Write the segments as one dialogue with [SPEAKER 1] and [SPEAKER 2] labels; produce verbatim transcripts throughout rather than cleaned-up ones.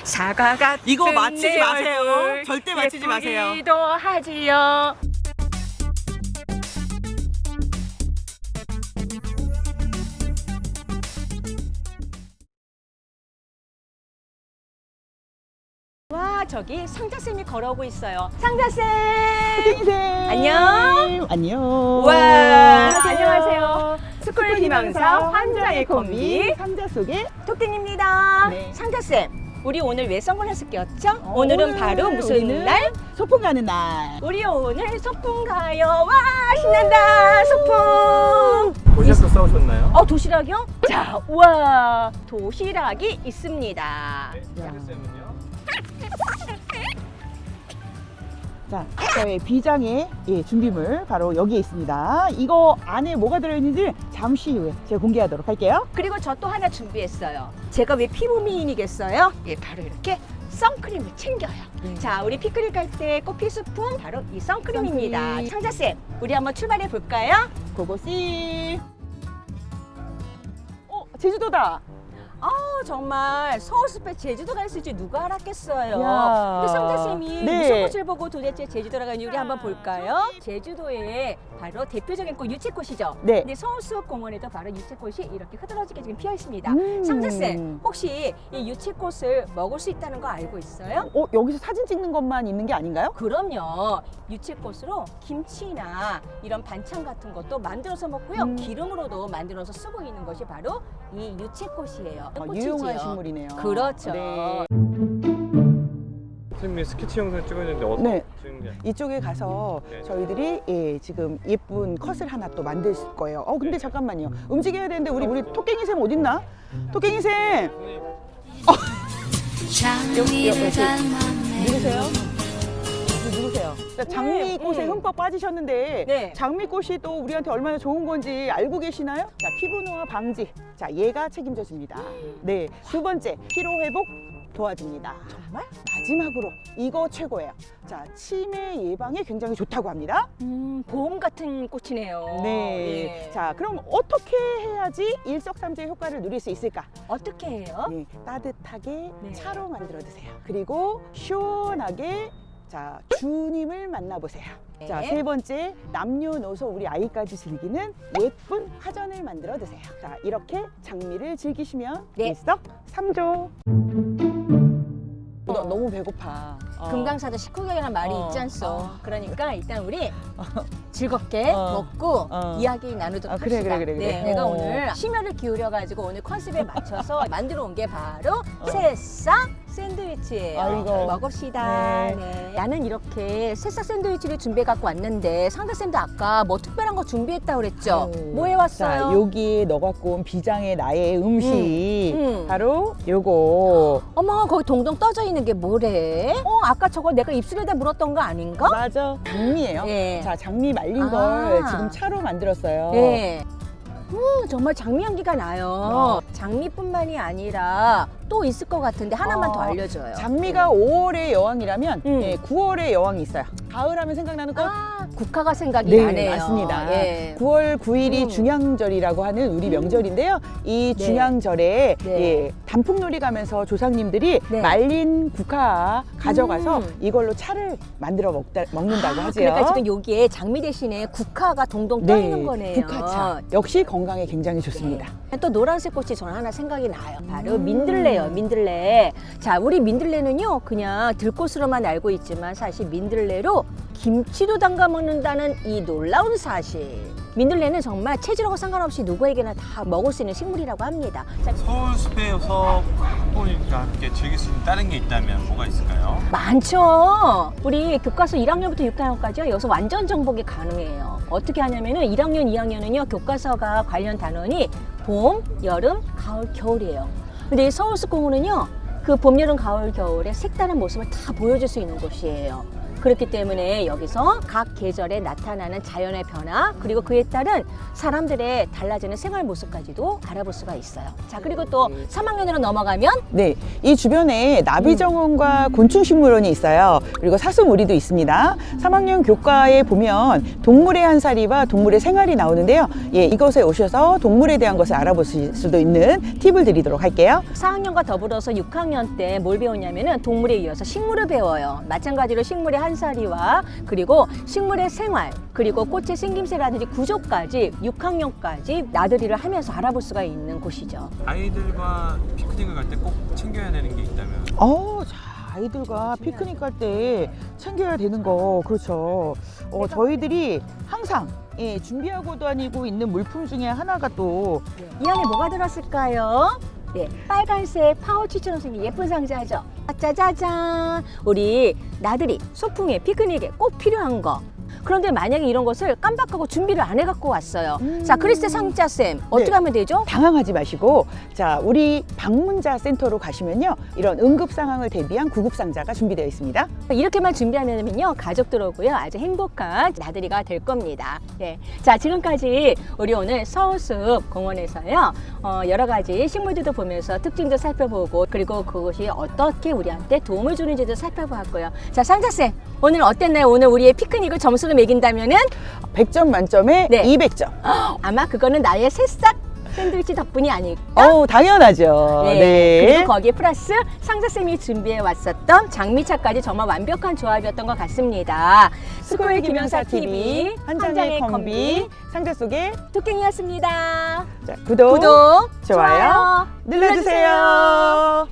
[SPEAKER 1] 사과가
[SPEAKER 2] 이거 맞히지 마세요. 절대 맞히지 마세요.
[SPEAKER 1] 예쁘기도 하지요. 와, 저기 상자쌤이 걸어오고 있어요. 상자쌤!
[SPEAKER 3] 선생님
[SPEAKER 1] 안녕.
[SPEAKER 3] 안녕.
[SPEAKER 1] 와,
[SPEAKER 3] 안녕하세요.
[SPEAKER 1] 안녕하세요. 스쿨 희망사 환자의 콤비
[SPEAKER 3] 상자 속에
[SPEAKER 1] 토끼입니다.
[SPEAKER 3] 네.
[SPEAKER 1] 상자쌤, 우리 오늘 왜 선글라스 꼈죠?
[SPEAKER 3] 어,
[SPEAKER 1] 오늘은
[SPEAKER 3] 오늘
[SPEAKER 1] 바로 무슨
[SPEAKER 3] 우리는
[SPEAKER 1] 날?
[SPEAKER 3] 소풍 가는 날.
[SPEAKER 1] 우리 오늘 소풍 가요. 와, 신난다. 소풍.
[SPEAKER 4] 도시락도 싸우셨나요?
[SPEAKER 1] 어, 도시락이요? 자, 우와, 도시락이 있습니다.
[SPEAKER 4] 네, 쌤은요?
[SPEAKER 3] 자, 저의 비장의 예, 준비물 바로 여기에 있습니다. 이거 안에 뭐가 들어있는지 잠시 후에 제가 공개하도록 할게요.
[SPEAKER 1] 그리고 저 또 하나 준비했어요. 제가 왜 피부 미인이겠어요? 예, 바로 이렇게 선크림을 챙겨요.
[SPEAKER 3] 네.
[SPEAKER 1] 자, 우리 피크닉 갈 때 꼭 필수품 바로 이 선크림입니다.
[SPEAKER 3] 선크림.
[SPEAKER 1] 상자쌤, 우리 한번 출발해 볼까요?
[SPEAKER 3] 고고씨. 어, 제주도다.
[SPEAKER 1] 아, 정말 서울 숲에 제주도 갈 수 있지 누가 알았겠어요.
[SPEAKER 3] 야.
[SPEAKER 1] 우리 상자쌤이
[SPEAKER 3] 네.
[SPEAKER 1] 무슨 꽃을 보고 도대체 제주도로 가는지 우리 한번 볼까요? 제주도의 바로 대표적인 꽃 유채꽃이죠.
[SPEAKER 3] 네.
[SPEAKER 1] 근데 서울수목공원에도 바로 유채꽃이 이렇게 흐드러지게 지금 피어 있습니다.
[SPEAKER 3] 음.
[SPEAKER 1] 상자쌤, 혹시 이 유채꽃을 먹을 수 있다는 거 알고 있어요?
[SPEAKER 3] 어, 여기서 사진 찍는 것만 있는 게 아닌가요?
[SPEAKER 1] 그럼요. 유채꽃으로 김치나 이런 반찬 같은 것도 만들어서 먹고요.
[SPEAKER 3] 음.
[SPEAKER 1] 기름으로도 만들어서 쓰고 있는 것이 바로 이 유채꽃이에요.
[SPEAKER 3] 어,
[SPEAKER 1] 꽃이지요.
[SPEAKER 3] 유용한 식물이네요.
[SPEAKER 1] 그렇죠.
[SPEAKER 3] 네.
[SPEAKER 4] 선생님이 스케치 영상 찍었는데 어떻게
[SPEAKER 3] 네.
[SPEAKER 4] 찍은 게?
[SPEAKER 3] 이쪽에 가서
[SPEAKER 4] 네.
[SPEAKER 3] 저희들이 예, 지금 예쁜 컷을 하나 또 만들 거예요. 어 근데 잠깐만요. 움직여야 되는데 우리 우리 토깽이 쌤 어딨나? 토깽이 쌤
[SPEAKER 4] 선생님,
[SPEAKER 3] 여기 여기 누구세요? 누구세요? 자, 장미꽃에
[SPEAKER 1] 네, 음.
[SPEAKER 3] 흠뻑 빠지셨는데
[SPEAKER 1] 네.
[SPEAKER 3] 장미꽃이 또 우리한테 얼마나 좋은 건지 알고 계시나요? 자, 피부 노화 방지. 자, 얘가 책임져 줍니다. 네. 두 번째, 피로 회복 도와줍니다.
[SPEAKER 1] 정말?
[SPEAKER 3] 마지막으로 이거 최고예요. 자, 치매 예방에 굉장히 좋다고 합니다.
[SPEAKER 1] 음, 보험 같은 꽃이네요.
[SPEAKER 3] 네.
[SPEAKER 1] 예.
[SPEAKER 3] 자, 그럼 어떻게 해야지 일석삼조의 효과를 누릴 수 있을까?
[SPEAKER 1] 어떻게 해요?
[SPEAKER 3] 네, 따뜻하게
[SPEAKER 1] 네.
[SPEAKER 3] 차로 만들어 드세요. 그리고 시원하게 자, 주님을 만나보세요.
[SPEAKER 1] 네.
[SPEAKER 3] 자, 세 번째, 남녀노소 우리 아이까지 즐기는 예쁜 화전을 만들어 드세요. 자, 이렇게 장미를 즐기시면
[SPEAKER 1] 네.
[SPEAKER 3] 일석삼조. 너 너무 배고파. 어.
[SPEAKER 1] 금강사도 식후경이라는 말이
[SPEAKER 3] 어.
[SPEAKER 1] 있지 않소.
[SPEAKER 3] 어.
[SPEAKER 1] 그러니까 일단 우리 즐겁게
[SPEAKER 3] 어.
[SPEAKER 1] 먹고
[SPEAKER 3] 어.
[SPEAKER 1] 이야기 나누도록
[SPEAKER 3] 아, 그래,
[SPEAKER 1] 합시다.
[SPEAKER 3] 그래, 그래, 그래.
[SPEAKER 1] 네, 내가
[SPEAKER 3] 어.
[SPEAKER 1] 오늘 심혈을 기울여가지고 오늘 컨셉에 맞춰서 만들어 온 게 바로
[SPEAKER 3] 어.
[SPEAKER 1] 새싹 샌드위치예요.
[SPEAKER 3] 아이고.
[SPEAKER 1] 먹읍시다.
[SPEAKER 3] 네.
[SPEAKER 1] 네. 나는 이렇게 새싹 샌드위치를 준비해 갖고 왔는데 상자쌤도 아까 뭐 특별한 거 준비했다고 그랬죠?
[SPEAKER 3] 아유.
[SPEAKER 1] 뭐 해왔어요?
[SPEAKER 3] 자, 여기에 넣어 갖고 온 비장의 나의 음식.
[SPEAKER 1] 음, 음.
[SPEAKER 3] 바로 요거.
[SPEAKER 1] 어머, 거기 동동 떠져 있는 게 뭐래? 어, 아까 저거 내가 입술에다 물었던 거 아닌가?
[SPEAKER 3] 맞아. 장미예요.
[SPEAKER 1] 예.
[SPEAKER 3] 자, 장미 말린
[SPEAKER 1] 아.
[SPEAKER 3] 걸 지금 차로 만들었어요.
[SPEAKER 1] 네. 음, 정말 장미 향기가 나요.
[SPEAKER 3] 어.
[SPEAKER 1] 장미뿐만이 아니라 또 있을 것 같은데 하나만
[SPEAKER 3] 어,
[SPEAKER 1] 더 알려줘요.
[SPEAKER 3] 장미가 오월의 여왕이라면
[SPEAKER 1] 음.
[SPEAKER 3] 예, 구월의 여왕이 있어요. 가을 하면 생각나는 꽃?
[SPEAKER 1] 아, 국화가 생각이
[SPEAKER 3] 네,
[SPEAKER 1] 나네요.
[SPEAKER 3] 맞습니다.
[SPEAKER 1] 예.
[SPEAKER 3] 구월 구일이
[SPEAKER 1] 음.
[SPEAKER 3] 중양절이라고 하는 우리 명절인데요. 이
[SPEAKER 1] 네.
[SPEAKER 3] 중양절에
[SPEAKER 1] 네.
[SPEAKER 3] 예, 단풍놀이 가면서 조상님들이
[SPEAKER 1] 네.
[SPEAKER 3] 말린 국화 가져가서
[SPEAKER 1] 음.
[SPEAKER 3] 이걸로 차를 만들어 먹다, 먹는다고
[SPEAKER 1] 아,
[SPEAKER 3] 하죠.
[SPEAKER 1] 그러니까 지금 여기에 장미 대신에 국화가 동동 떠 있는 거네요.
[SPEAKER 3] 국화차. 역시 건강에 굉장히 좋습니다.
[SPEAKER 1] 또 노란색 꽃이 저는 하나 생각이 나요. 바로
[SPEAKER 3] 음.
[SPEAKER 1] 민들레요, 민들레. 자, 우리 민들레는요, 그냥 들꽃으로만 알고 있지만 사실 민들레로 김치도 담가 먹는다는 이 놀라운 사실. 민들레는 정말 체질하고 상관없이 누구에게나 다 먹을 수 있는 식물이라고 합니다. 자,
[SPEAKER 4] 서울숲에서 학부모님과 함께 즐길 수 있는 다른 게 있다면 뭐가 있을까요?
[SPEAKER 1] 많죠. 우리 교과서 일 학년부터 육 학년까지요. 여기서 완전 정복이 가능해요. 어떻게 하냐면은 일 학년, 이 학년은요. 교과서가 관련 단원이 봄, 여름, 가을, 겨울이에요. 근데 이 서울숲공원은요. 그 봄, 여름, 가을, 겨울의 색다른 모습을 다 보여줄 수 있는 곳이에요. 그렇기 때문에 여기서 각 계절에 나타나는 자연의 변화 그리고 그에 따른 사람들의 달라지는 생활 모습까지도 알아볼 수가 있어요. 자, 그리고 또 삼 학년으로 넘어가면
[SPEAKER 3] 네, 이 주변에 나비정원과 곤충식물원이 있어요. 그리고 사슴우리도 있습니다. 삼 학년 교과에 보면 동물의 한살이와 동물의 생활이 나오는데요. 예, 이곳에 오셔서 동물에 대한 것을 알아보실 수도 있는 팁을 드리도록 할게요.
[SPEAKER 1] 사 학년과 더불어서 육 학년 때 뭘 배웠냐면은 동물에 이어서 식물을 배워요. 마찬가지로 식물의 한살이와 그리고 식물의 생활 그리고 꽃의 생김새라든지 구조까지 육 학년까지 나들이를 하면서 알아볼 수가 있는 곳이죠.
[SPEAKER 4] 아이들과 피크닉을 갈 때 꼭 챙겨야 되는 게 있다면
[SPEAKER 3] 어, 자, 아이들과 피크닉 갈 때 챙겨야 되는 거, 그렇죠. 어, 저희들이 항상 예, 준비하고 다니고 있는 물품 중에 하나가 또
[SPEAKER 1] 이 안에 뭐가 들었을까요? 네, 빨간색 파우치처럼 생긴 예쁜 상자죠. 아, 짜자잔! 우리 나들이, 소풍에, 피크닉에 꼭 필요한 거. 그런데 만약에 이런 것을 깜빡하고 준비를 안 해갖고 왔어요.
[SPEAKER 3] 음.
[SPEAKER 1] 자, 크리스트 상자쌤, 어떻게
[SPEAKER 3] 네.
[SPEAKER 1] 하면 되죠?
[SPEAKER 3] 당황하지 마시고, 자, 우리 방문자 센터로 가시면요, 이런 응급 상황을 대비한 구급 상자가 준비되어 있습니다.
[SPEAKER 1] 이렇게만 준비하면요, 가족들하고요, 아주 행복한 나들이가 될 겁니다. 네. 자, 지금까지 우리 오늘 서울숲 공원에서요, 어, 여러 가지 식물들도 보면서 특징도 살펴보고, 그리고 그것이 어떻게 우리한테 도움을 주는지도 살펴보았고요. 자, 상자쌤, 오늘 어땠나요? 오늘 우리의 피크닉을 점수로 매긴다면은?
[SPEAKER 3] 백 점 만점에
[SPEAKER 1] 네.
[SPEAKER 3] 이백 점.
[SPEAKER 1] 아마 그거는 나의 새싹 샌드위치 덕분이 아닐까?
[SPEAKER 3] 어우, 당연하죠.
[SPEAKER 1] 네.
[SPEAKER 3] 네.
[SPEAKER 1] 그리고 거기에 플러스 상자쌤이 준비해 왔었던 장미차까지 정말 완벽한 조합이었던 것 같습니다. 스쿨 김영사 티비
[SPEAKER 3] 한 장의 컴비 상자 속에
[SPEAKER 1] 토깽이었습니다.
[SPEAKER 3] 자, 구독,
[SPEAKER 1] 구독,
[SPEAKER 3] 좋아요, 눌러주세요.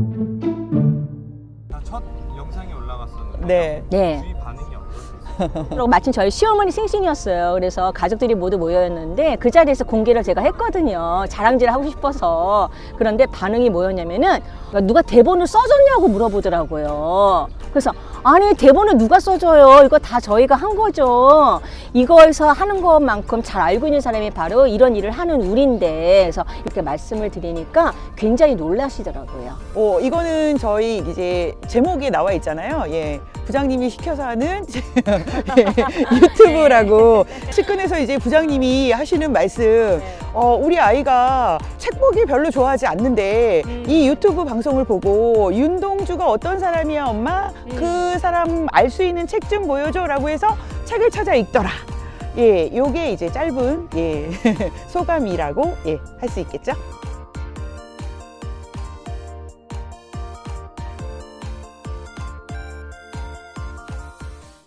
[SPEAKER 4] 첫 영상이 올라갔었는데
[SPEAKER 3] 네.
[SPEAKER 1] 네.
[SPEAKER 4] 주위 반응이 어떠셨어요?
[SPEAKER 1] 그리고 마침 저희 시어머니 생신이었어요. 그래서 가족들이 모두 모여있는데 그 자리에서 공개를 제가 했거든요. 자랑질을 하고 싶어서. 그런데 반응이 뭐였냐면은 누가 대본을 써줬냐고 물어보더라고요. 그래서 아니 대본을 누가 써줘요? 이거 다 저희가 한 거죠. 이거에서 하는 것만큼 잘 알고 있는 사람이 바로 이런 일을 하는 우리인데 그래서 이렇게 말씀을 드리니까 굉장히 놀라시더라고요.
[SPEAKER 3] 어, 이거는 저희 이제 제목에 나와 있잖아요. 예. 부장님이 시켜서 하는 예, 유튜브라고. 측근에서 이제 부장님이 하시는 말씀, 어, 우리 아이가 책 보기 별로 좋아하지 않는데
[SPEAKER 1] 음.
[SPEAKER 3] 이 유튜브 방송을 보고 윤동주가 어떤 사람이야 엄마?
[SPEAKER 1] 음.
[SPEAKER 3] 그 사람 알 수 있는 책 좀 보여줘 라고 해서 책을 찾아 읽더라. 예, 요게 이제 짧은 예, 소감이라고 예, 할 수 있겠죠?